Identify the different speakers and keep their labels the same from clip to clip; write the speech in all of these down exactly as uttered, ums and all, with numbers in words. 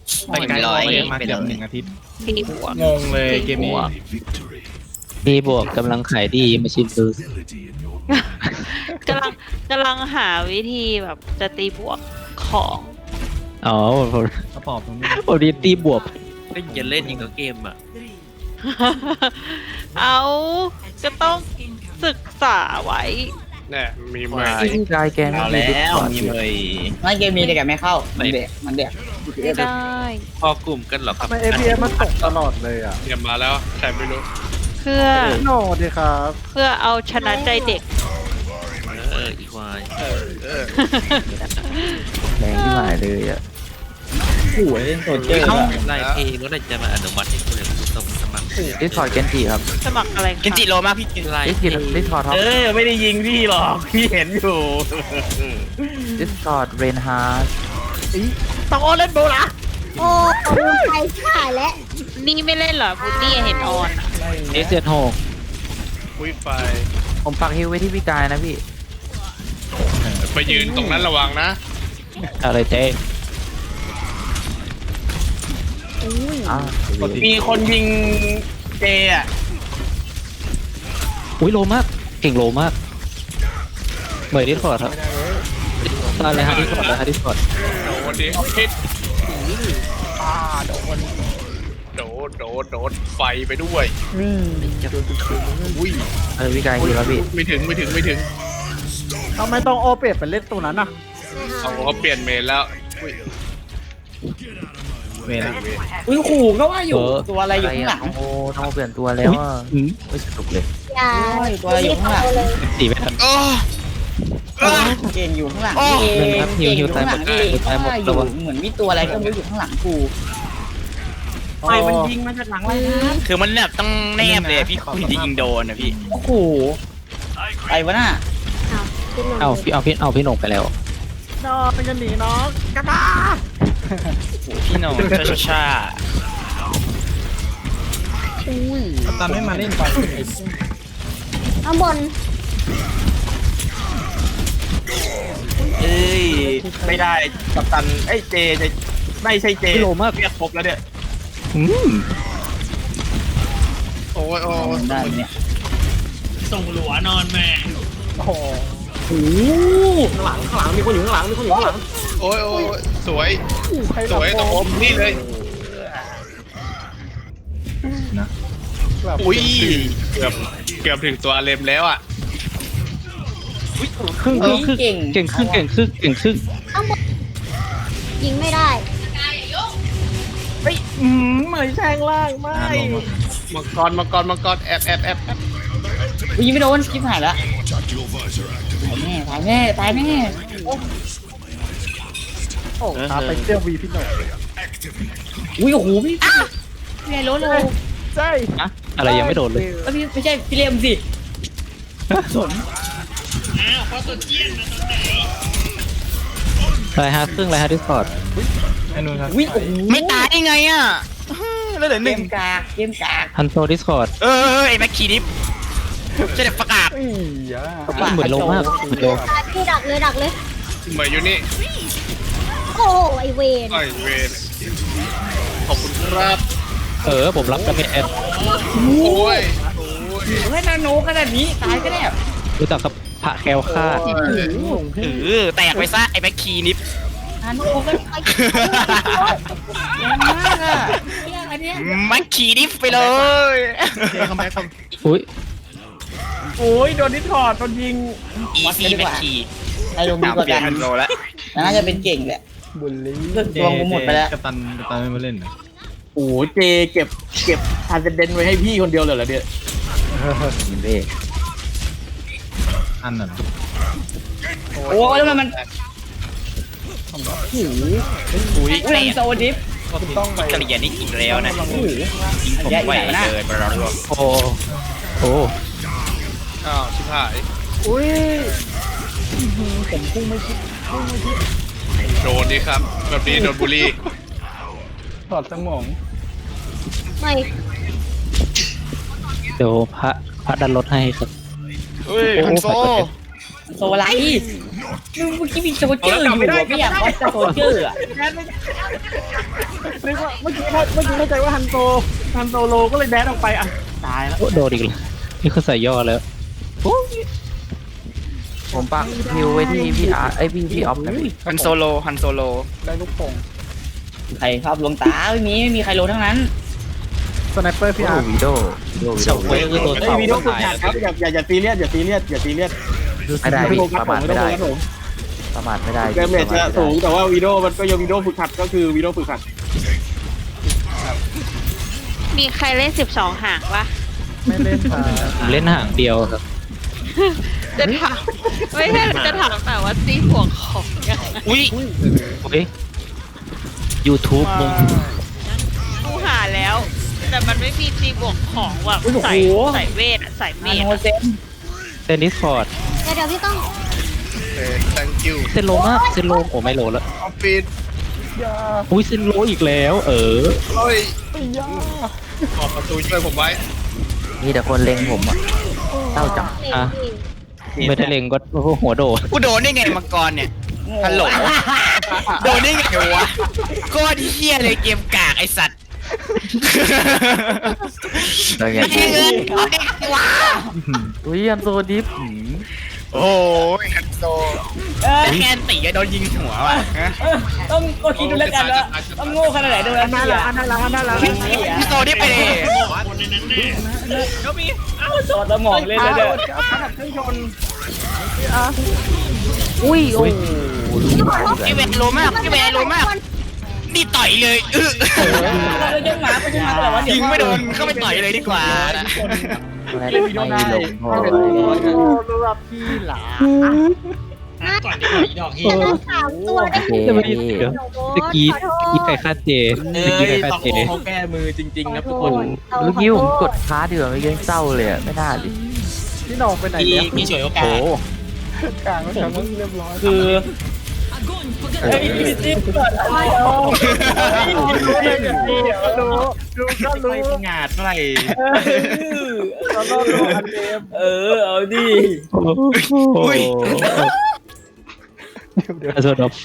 Speaker 1: ไปไกลร้อยมาเกือบหนึ่งอาทิตย์
Speaker 2: ตีบวก
Speaker 1: งงเลยเกมนี้
Speaker 3: ดีบวกกำลังขายดีมาชิมดู
Speaker 2: กำลังกำลังหาวิธีแบบจะตีบวกของ
Speaker 3: อ๋อผม
Speaker 1: กระป๋อบตรงนี้
Speaker 3: ผมดีตีบวก
Speaker 4: เล่นจะเล่นอีกกับเกมอ่ะ
Speaker 2: เอาก็ต้องศึกษาไว้
Speaker 5: เนี่ยมีเม
Speaker 4: ว้าย
Speaker 3: ที่กายแกไม่
Speaker 6: เอา
Speaker 3: มี
Speaker 6: แล้ว
Speaker 3: ก่อน
Speaker 6: มีเลยไม่เกมมีแต่แกไม่เข้ามันเด็กมันเด็ก
Speaker 2: ไม่ได้
Speaker 4: พอกลุ่มกันเหรอครับ
Speaker 7: ทำไม เอ พี เอส มันตกตลอดเลยอ่ะ
Speaker 5: เตรียมมาแล้วใครไม่รู้
Speaker 2: เพื่อ
Speaker 7: โน่ดีครับ
Speaker 2: เพื่อเอาชนะใจเด็ก
Speaker 4: เอออีควาย
Speaker 3: แรงที่หมายเลยอ่ะ
Speaker 6: โอ้ยเล่นโซเจอร์
Speaker 4: ไล่เพลงแล้วจะมาอนุมัติให้คุณเลยตรงสมัคร
Speaker 3: ดิสคอร์ดเกนจิครับ
Speaker 2: สมัครอะไรคะ
Speaker 6: เกนจิโลมากพี่กิน
Speaker 4: ไล่
Speaker 3: ดิส
Speaker 4: เพ
Speaker 3: กิ
Speaker 4: ลง
Speaker 3: ดิสคอร์ดท็อป
Speaker 6: เออไม่ได้ยิงพี่หรอกพี่เห็นอยู่
Speaker 3: ดิสคอร์ดเรนฮาร์ด
Speaker 6: ต้องโอเล่นโบล่ะ
Speaker 8: โอ้โหใครถ่ายแล้ว
Speaker 2: นี่ไม่เล่นเหรอพุดดี้เห็นออนอะ
Speaker 3: เอสเจ็ดหก
Speaker 5: คุยไฟ
Speaker 3: ผมปักฮิวไว้ที่พี่กายนะพี่
Speaker 5: ไปยืนตรงนั้นระวังนะ
Speaker 3: อะไรเจ๊อ่า
Speaker 6: มีคนยิงเจอ่ะ
Speaker 3: อุ้ยโลมาก เก่งโลมากเหมยดิสคอร์ดครับตายเลยฮะดิสคอร์ดเลยฮะดิสคอร์ด
Speaker 5: โดนดิพิษอ่าโดนโดนโดนโดนไฟไปด้วยอุ้ย
Speaker 3: เออพี่กายฮิวแล้วพี่
Speaker 5: ไม่ถึงไม่ถึงไม่ถึง
Speaker 7: ทำไมต้องโอเปตไปเล่นตัวนั้นอ่ะ
Speaker 5: เอาเขาเปลี่ยนเมนแล้วอุ้ย
Speaker 1: เวลา
Speaker 6: อุ้ยขู่ก็ว่าอยู่ตัวอะไรอยู่ข้างหลัง
Speaker 3: โอ้ต้องเปลี่ยนตัวแล้วอ่ะไม่สนุกเลย
Speaker 8: อย่า
Speaker 6: ตัวอะไรอยู่ข้างหลัง
Speaker 8: เลย
Speaker 3: ตีไม่ทัน
Speaker 6: เก่งอยู่ข้างหลัง
Speaker 3: เงิ
Speaker 6: เอน
Speaker 3: ครับฮิ
Speaker 6: เก่
Speaker 3: ว
Speaker 6: ง
Speaker 3: ฮิ
Speaker 6: อ
Speaker 3: ว
Speaker 6: ยู่
Speaker 3: ตา
Speaker 6: ข้าย ง
Speaker 3: ห
Speaker 6: ห
Speaker 3: ม
Speaker 6: ลั
Speaker 3: ด
Speaker 6: งเอง
Speaker 3: ตายหมด
Speaker 6: ว่าอ
Speaker 3: ตั
Speaker 6: ยู่
Speaker 3: ว
Speaker 6: เหมือนมีตัวอะไรก็ไม่รู้อยู่ข้างหลังกูใครมันยิงมาจากหลังอะไรนะ
Speaker 9: คือมันแบบต้องแนบเลยพี่คุยจะยิงโดนนะพี่
Speaker 6: โอ้โหไปวะน่ะ
Speaker 8: อ้าวขึ้นมา
Speaker 3: เอาพี่เอาพี่เอาพี่หนงไปแล้ว
Speaker 7: นอเป็นกันหนีน้องกระตา
Speaker 9: พี่หน้องชาชาชา
Speaker 1: กัปตันไม่มาเล่นก่อน
Speaker 8: ข้างบน
Speaker 6: เอ้ยไม่ได้กัปตันเอ้ยเจจะไม่ใช่เจ
Speaker 3: พี่โลมาก
Speaker 6: เรียกครบแล้วเนี่ย
Speaker 3: อืม
Speaker 5: โอ้ยโอ้ย
Speaker 6: ได้เนี่ย
Speaker 4: ส่งหลัวนอนแม่
Speaker 7: โอ้โห
Speaker 5: โอ้ยโอ้ยสวยสวยตรงผมนี่เลย
Speaker 1: นะ
Speaker 5: อุ้ยเกือบเกือบถึงตัวเลมแล้วอ่ะ
Speaker 3: ครึ่งครึ่งครึ่ง
Speaker 6: เก่ง
Speaker 3: เก่งครึ่งเก่งครึ่งเก่งครึ่ง
Speaker 8: ข้างบนยิงไม่ได้
Speaker 6: อืมเหมือนแทงล่างไม่
Speaker 1: อ่าลงมา
Speaker 5: มังกรมังกรมังกรแอบแอบแอบแอบ
Speaker 6: ยิงไม่โดนคิดหายละตายแน่ตายแน่ตายแน่
Speaker 7: โอ้ตาไปเที่ยววีพี่โน่
Speaker 6: อุ้ยโอ้โหพี่พี่ไอ้รถเลย
Speaker 7: ใช่
Speaker 3: อะอะไรยังไม่โดนเลย
Speaker 6: เอ้ยพี่ไม่ใช่พี่เลียมสิสน
Speaker 3: ไรฮะครึ่งไรฮะดิสคอร์ด
Speaker 1: ไอ้นู่นครับ
Speaker 6: อุ้ยโอ้โห
Speaker 9: ไม่ตายได้ไงอ่ะแล้วเหลือห
Speaker 6: เก
Speaker 9: นึ่ง
Speaker 6: มกากเกมกาก
Speaker 3: ฮันโซดิสคอร์ด
Speaker 9: เออเออไอ้แม็กคีดิฟจะเด็กประกาศ
Speaker 7: อีอ่ะ
Speaker 3: เหมือนโลมากเหมือนโล
Speaker 8: ตายพี่ดักเลยดักเลย
Speaker 5: เหมยอยู่นี่
Speaker 8: โอ้โหไอเวน
Speaker 5: ไอ้เวรขอบคุณครับ
Speaker 3: เออผมรับกันเป็นแอด
Speaker 5: โอ้ยโอ้ย
Speaker 6: เฮ้ยนาโนขนาดนี้ตายก็ได้
Speaker 3: รู้จักกับพระแคลคาด
Speaker 9: เออแตกไปซะไอ้แม็กคีนิฟ
Speaker 6: นาโนก็แรงมากอ่ะเนี่ยอันเนี้ย
Speaker 9: แม็กคีนิฟไปเลย
Speaker 5: เจคัมแบ็คคัม
Speaker 3: อุ้ย
Speaker 6: โอ้ยโดนนิดถอดโดนยิง
Speaker 9: อีซีแม็กคี
Speaker 6: ไอ้ลงดี
Speaker 9: ตาม
Speaker 6: กว่า
Speaker 9: เปลี่
Speaker 6: กั
Speaker 9: ยน
Speaker 6: น
Speaker 9: ฮันโซแล้ว
Speaker 6: น่าจะเป็นเก่งแหละ
Speaker 7: บุลลี่
Speaker 6: เลือกตัวกูหมดไปแล้ว
Speaker 1: กัปตันกัปตันไม่มาเล่นเหรอ
Speaker 6: โอ้เจเก็บเก็บทานเดนไว้ให้พี่คนเดียวเลยเหรอเนี่ย
Speaker 3: ยินเล่
Speaker 1: อันน่ะเหรอ
Speaker 6: โอ้ยแล้วมันมัน
Speaker 9: อุ้ย
Speaker 6: อุ้ย
Speaker 9: แต
Speaker 6: แรง
Speaker 9: ก
Speaker 6: โซดิฟ
Speaker 7: ต้องไป
Speaker 9: กระเหรียญนี่อีกแล้วนะ
Speaker 6: โอ้โห
Speaker 9: ยิงผมไปเลยบรอด
Speaker 3: โอ้โอ้
Speaker 5: อ้าวชิบหาย
Speaker 7: อุ้ยผมพุ่งไม่คิด
Speaker 5: โดนดิครับแบบนี้โดนบูลลี่
Speaker 7: ถอดสมอง
Speaker 8: ไม่
Speaker 3: เดี๋ยวพระพระดันรถให้ครับ
Speaker 9: เฮ้ยฮันโซ
Speaker 6: โซอะไรเมื่อกี้มีโซเจอร์อยู่อะไม่อยากวัดโซเจอร์อะ
Speaker 7: นึกว่าเมื่อกี้เมื่อกี้เข้าใจว่าฮันโซฮันโซโลก็เลยแดนออกไปอ่ะตายแล้ว
Speaker 3: โอ้โดนอีกแล้วนี่เขาใส่ย่อแล้ว
Speaker 10: ผมปักฮิวไว้ที่พี่อาร์ไอยพี่พี่ออฟนะพี่
Speaker 9: ฮันโซโลฮันโซโล
Speaker 7: ได้ลูกโป่ง
Speaker 6: ใครชอบลวงตาไม่มีไม่มีใครรู้ทั้งนั้น
Speaker 7: สไนเปอร์พี่
Speaker 10: โอ้
Speaker 7: อาร์
Speaker 10: วิโดวิโดวิ
Speaker 3: เฉา
Speaker 10: โด
Speaker 3: เว้ยคือตัว
Speaker 6: ไอ้
Speaker 3: เต่า
Speaker 6: วีดีโอฝึก
Speaker 3: ตาย
Speaker 6: หัดครับอย่าอย่าอย่าซีเรียสอย่าซีเรียสอย่าซีเรียส
Speaker 10: ไม่ได้
Speaker 6: ไม่
Speaker 10: พี่
Speaker 6: โฟกัส
Speaker 10: ประ
Speaker 6: ผม
Speaker 10: มาท
Speaker 6: ไม่
Speaker 10: ไม่
Speaker 6: ต้อง
Speaker 10: ได้
Speaker 6: โฟกัสผม
Speaker 10: ประมาทไม่ได้
Speaker 6: เกมเมจจะสูงแต่ว่าวีดีโอมันก็ยังวีดีโอฝึกหัดก็คือวีดีโอฝึกหัด
Speaker 2: มีใครเล่นสิบสองหางปะ
Speaker 7: ไม่เล่นค่ะ
Speaker 3: ผมเล่นห่างเดียวครับ
Speaker 2: จะถามไม่ใช่จะถามแต่ว่าตีหัวของยังไง
Speaker 9: อุ้ย
Speaker 3: เฮ้ย YouTube มึง
Speaker 2: กูหาแล้ว แต่มันไม่มีตีบวกของว่ะใส่ใส่เวทอะใส่เม
Speaker 6: อา
Speaker 2: ท
Speaker 6: โน
Speaker 2: อะ
Speaker 6: เซน
Speaker 3: เซนดิสคอร์ด
Speaker 8: เดี๋ยวเดี๋ยวพี่ต้อง
Speaker 9: เออ thank you
Speaker 3: เซนโลมากเซนโลโอ้ไม่โลแล้ว
Speaker 9: ออฟฟิศ
Speaker 3: อุ้ยเซนโลอีกแล้ว เออ
Speaker 9: เฮ้ยออกประตูช่วยผมไว้
Speaker 10: มีแต่คนเล็งผมอ่ะเศร้าจัง
Speaker 8: เด็ก
Speaker 3: อ่ะ
Speaker 8: พี่
Speaker 3: ไม่ได้เล็งก็หัวโดด
Speaker 9: กูโดนได้ไงมังกรเนี่ย ฮัลโหล โดนได้ไงวะโคตรเฮี้ยเลยเกมกากไอสัตว์
Speaker 10: แล้วไง
Speaker 9: ไม่เงินเอาเด็กสิวะ
Speaker 10: อุ้ยอันโซดิฟ
Speaker 9: โอ้ยฮันโซแต่แคนตีก็โดนยิงหัวว่ะฮะ
Speaker 6: ต้องก็คิดดูแล้วกันว่าต้องโง่ขนาดไหนดูแล้ว
Speaker 7: น่า
Speaker 6: พี่
Speaker 7: รัก
Speaker 6: อ่ะ
Speaker 7: น่ารักน่ารัก
Speaker 9: ฮันโซนี่ไปเลย
Speaker 6: จอดสมองเล่นแล้วเนี่ย
Speaker 10: อุ้ยโอ้ย
Speaker 9: พี่เวนรู้มากพี่เวนรู้มาก นี่ต่อยเลยเออ
Speaker 6: เราจะหมาไปยังหมาแต่ว่าเดี๋ยว
Speaker 9: ยิงไม่โดนเข้าไปต่อยเลยดีกว่า
Speaker 10: ไม่ไม่ลงพอ
Speaker 7: สำหรับพี่หลา
Speaker 8: จะต้องสามตัวได้
Speaker 10: โอเค
Speaker 3: จะไม่ได้เดี๋ยวตะกี้ตะกี้ใครฆ่าเจตะกี้ใครฆ่าเจ
Speaker 6: เขาแก้มือจริงๆนะทุกคน
Speaker 10: เมื่อกี้ผมกดค้าเดือดไม่ยังเศร้าเลยอ่ะไม่น่าดิ
Speaker 7: พี่หน้องไปไหนเนี่ย
Speaker 6: มีฉวยโอกาส
Speaker 10: โอ้
Speaker 7: กลางแล้วกลางเรียบร้อย
Speaker 6: คือเฮ้ยพี่จิ๊บเกิดอะไรอ่ะ
Speaker 7: ดูดูก็รู้
Speaker 9: ไม่งาดเท่าไหร่
Speaker 7: เราต้องดูอันเดม
Speaker 6: เออเอาดิ
Speaker 9: อุ้ย
Speaker 3: โซดอฟ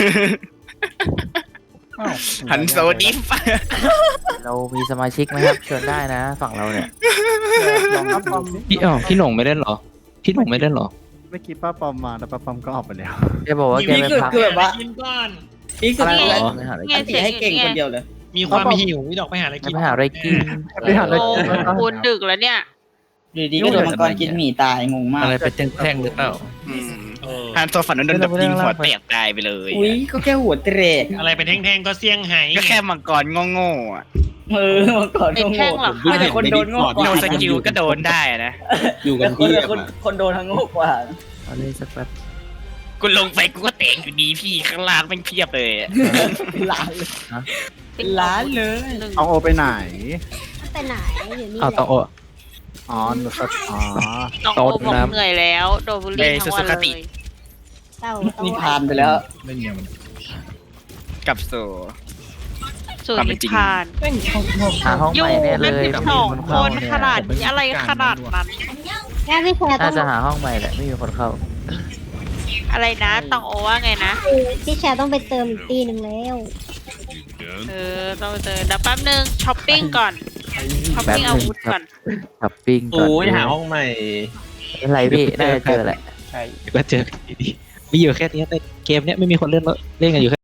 Speaker 9: ฮันโซดิฟ
Speaker 10: เรามีสมาชิกไหมครับเชิญได้นะฝั่งเราเนี่ย
Speaker 7: ลองรับปอม
Speaker 3: พี่อ๋อพี่หน่งไม่เล่นเหรอ พี่หน่งไม่เล่นเหรอ
Speaker 7: เมื่อกี้ป้าปอมมาแต่ป้าปอมก็ออกไปแล้ว
Speaker 10: แกบอกว่าแก
Speaker 6: นี่
Speaker 10: ไป
Speaker 6: คือ
Speaker 10: พัก
Speaker 6: คือแบบว่านี่คือ
Speaker 3: อะไรเหรอ
Speaker 10: ไม่หาอะไร
Speaker 2: เงี้
Speaker 10: กิ
Speaker 2: ย
Speaker 10: น
Speaker 2: เสียง
Speaker 6: ให้เก่ง
Speaker 2: เงี้
Speaker 6: ค
Speaker 2: ย
Speaker 6: นเดียวเลย
Speaker 7: มีความหิว
Speaker 10: ไม่หาอะไรกิน
Speaker 7: ไปหาอะไร
Speaker 2: โอ้
Speaker 7: กิน
Speaker 2: คุณดึกแล้วเนี่ย
Speaker 6: อยู่ดีก็โดนมังกรกินหมี่ตายงงมาก
Speaker 3: อะไรไปแท่งๆหรือเปล่า
Speaker 9: ฮันโซฝันโดนดับยิงหัวแตกตายไปเลย
Speaker 6: อุ้ยก็แค่หัวเตะ
Speaker 11: อะไรเป็นแท่งๆก็เสี่ยงไฮ้
Speaker 9: ก็แค่มังกรโง่ๆอ่ะ
Speaker 6: เออมังกร
Speaker 2: เป็น
Speaker 6: โง่
Speaker 2: แท่งเหรอ
Speaker 6: ไม่แต่คนโดนโง่กว่า
Speaker 9: โนสกิลก็โดนได้นะ
Speaker 6: อยู่กันที่คนคนโดนทั้งโง่กว่า
Speaker 10: เอาเลยสักแป๊บ
Speaker 9: กูลงไปกูก็แตกอยู่ดีพี่ข้างล่างแม่งเพียบเลยอะ
Speaker 6: ล้านเลยล้านเลย
Speaker 7: เอาโอไปไหน
Speaker 8: ไปไหนอยู่นี่
Speaker 3: อ้าวต้องโอ
Speaker 7: อ๋อหนูก็อ๋อ
Speaker 2: น้องโอบอกเหนื่อยแล้วโดนบุลลี่ทั้งวันเลย
Speaker 8: เต้า
Speaker 6: นี่ผ่านไปแล้ว
Speaker 1: เล่นยังมัน
Speaker 9: กลับสู่
Speaker 2: ส่วน
Speaker 9: ความเป็
Speaker 2: นิ
Speaker 9: นจริง
Speaker 2: พาน
Speaker 10: หาห้อง
Speaker 2: อ
Speaker 10: ให
Speaker 2: ยู่
Speaker 10: ม่แน่เล
Speaker 2: เป็น
Speaker 10: ย
Speaker 2: สิบ
Speaker 10: ไม่
Speaker 2: ส
Speaker 10: มี
Speaker 2: อง
Speaker 10: คน
Speaker 2: ค
Speaker 10: เข้าน เนี่ย
Speaker 2: ขนาดนี้อะไรขนาดนั้น
Speaker 8: แค่พี่แชร์ต้
Speaker 10: น่า
Speaker 8: อง
Speaker 10: จะหาห้องใหม่แหละไม่มีคนเข้า
Speaker 2: อะไรนะต้องโอว่าไงนะ
Speaker 8: พี่แชร์ต้องไปเติมอีกตีหนึ่งแล้ว
Speaker 2: เออต้องเจอเดี๋ยวแป๊บนึงช้อปปิ้งก่อนช้อปปิ้งอาวุธก่อน
Speaker 10: ช้อปปิ้งก่อน
Speaker 6: โอ้ยหาห้องใหม่
Speaker 10: อะไรพี่น่าจะเจอแหละ
Speaker 3: เดี๋ยวก็เจอกันดีๆมีอยู่แค่นี้แต่เกมเนี้ยไม่มีคนเล่นแล้วเล่นกันอยู่แค่